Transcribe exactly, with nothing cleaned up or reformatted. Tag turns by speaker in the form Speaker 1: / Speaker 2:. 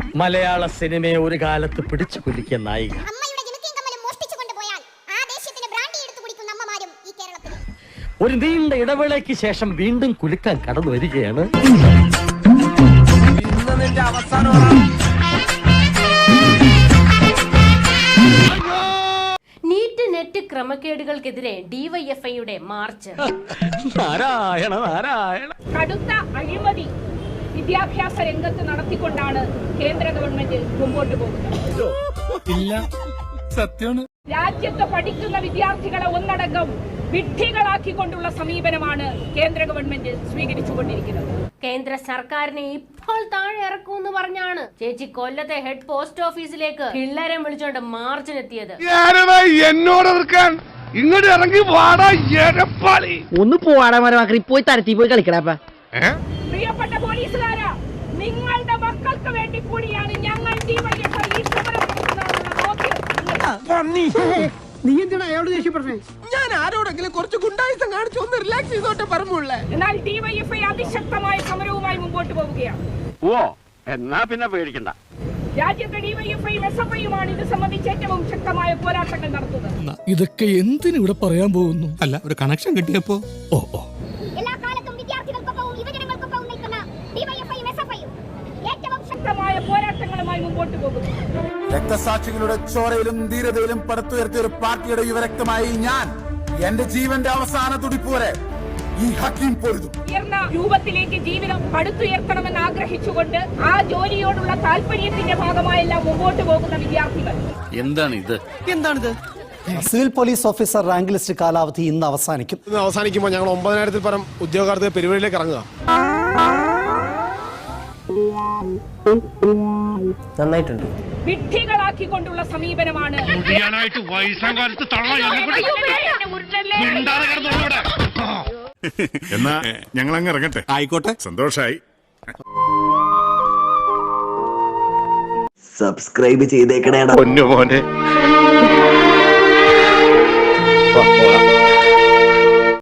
Speaker 1: മലയാള സിനിമയെ ഒരു കാലത്ത് പിടിച്ചു കുലുക്കിയ നായിക. ഒരു നീണ്ട ഇടവേളയ്ക്ക് ശേഷം വീണ്ടും കുലുക്കാൻ കടന്നു വരികയാണ്.
Speaker 2: നീറ്റ് നെറ്റ് ക്രമക്കേടുകൾക്കെതിരെ ഡിവൈഎഫ്ഐയുടെ മാർച്ച്.
Speaker 1: നാരായണ നാരായണ.
Speaker 3: കടുത്ത അഴിമതി വിദ്യാഭ്യാസ രംഗത്ത് നടത്തിക്കൊണ്ടാണ് കേന്ദ്ര ഗവൺമെന്റ് മുമ്പോട്ട് പോകുന്നത്. രാജ്യത്ത് പഠിക്കുന്ന വിദ്യാർത്ഥികളെ ഒന്നടങ്കം വിഡ്ഢികളാക്കിക്കൊണ്ടുള്ള സമീപനമാണ് കേന്ദ്ര ഗവൺമെന്റ് സ്വീകരിച്ചുകൊണ്ടിരിക്കുന്നത്.
Speaker 2: കേന്ദ്ര സർക്കാരിനെ ഇപ്പോൾ താഴെ ഇറക്കുമെന്ന് പറഞ്ഞാണ് ചേച്ചി കൊല്ലത്തെ ഹെഡ് പോസ്റ്റ് ഓഫീസിലേക്ക് പിള്ളേരെ വിളിച്ചോണ്ട് മാർച്ചിനെത്തിയത്.
Speaker 4: എന്നോട് ഇങ്ങോട്ട് ഇറങ്ങി വാടാ എരപ്പാളി.
Speaker 5: ഒന്ന് പോവാടാ മരമാക്കി പോയി തരത്തി പോയി കളിക്കടാ.
Speaker 3: പ്രിയപ്പെട്ട പോലീസുകാരാ, നിങ്ങളുടെ മക്കൾക്ക് വേണ്ടി കൂടിയാണ് ഞങ്ങൾ
Speaker 5: നീ എന്തിനാ അയാളോട് ദേഷ്യപ്പെട്ടേ?
Speaker 6: ഞാൻ ആരോടെങ്കിലും കുറച്ച് ഗുണ്ടായിസം കാണിച്ചു ഒന്ന് റിലാക്സ് ചെയ്തോട്ടെ പറഞ്ഞുള്ളേ.
Speaker 3: എന്നാൽ ഡിവൈഎഫ്ഐ അതിശക്തമായ സമരവുമായി മുമ്പോട്ട് പോവുകയാണ്.
Speaker 1: ഓ എന്നാ പിന്നെ പേടിക്കണ്ട.
Speaker 3: രാജ്യത്തെ ഡിവൈഎഫ്ഐയും എസ് എഫ് ഐയുമാണ് ഇത് സംബന്ധിച്ച് ഏറ്റവും ശക്തമായ പോരാട്ടങ്ങൾ നടത്തുന്നത്.
Speaker 7: ഇതൊക്കെ എന്തിനു ഇവിടെ പറയാൻ പോകുന്നു? അല്ല, ഒരു കണക്ഷൻ കിട്ടിയപ്പോ ഓ ഓ
Speaker 3: എല്ലാ കാലത്തും വിദ്യാർത്ഥികൾക്കൊപ്പവും യുവജനങ്ങൾക്കൊപ്പവും നിൽക്കുന്ന ഡിവൈഎഫ്ഐയും എസ് എഫ് ഐയും ഏറ്റവും ശക്തമായ പോരാട്ടങ്ങളുമായി മുമ്പോട്ട് പോകുന്നു.
Speaker 4: രക്തസാക്ഷികളുടെ ചോരയിലും ധീരതയിലും പടുത്തുയർത്തിയ ഒരു പാർട്ടിയുടെ യുവരക്തമായി ഞാൻ എന്റെ ജീവന്റെ അവസാന തുടിപ്പ് വരെ ഈ ഹക്കീം പൊരുതും.
Speaker 3: ഉയർന്ന രൂപത്തിലേക്ക് ജീവിതം പടുത്തുയർത്തണമെന്ന് ആഗ്രഹിച്ചുകൊണ്ട് ആ ജോലിയോടുള്ള താല്പര്യത്തിന്റെ ഭാഗമായെല്ലാം മുമ്പോട്ട് പോകുന്ന വിദ്യാർത്ഥികൾ.
Speaker 1: എന്താണിത്
Speaker 8: എന്താണിത്? Civil police officer rank list കാലാവധി ഇന്ന് അവസാനിക്കും.
Speaker 4: ഇന്ന് അവസാനിക്കുമ്പോൾ ഞങ്ങൾ ഒമ്പതിനായിരത്തിൽ പരം ഉദ്യോഗാർത്ഥികൾ പെരുവഴിയിലേക്ക് ഇറങ്ങുക.
Speaker 5: നന്നായിട്ടുണ്ട്.
Speaker 3: വിഡ്ഢികളാക്കിക്കൊണ്ടുള്ള സമീപനമാണ്.
Speaker 4: എന്നാ ഞങ്ങൾ അങ്ങ് ഇറങ്ങട്ടെ.
Speaker 7: ആയിക്കോട്ടെ,
Speaker 4: സന്തോഷായി.
Speaker 9: സബ്സ്ക്രൈബ് ചെയ്തേക്കണേടാ
Speaker 4: പൊന്നു മോനെ.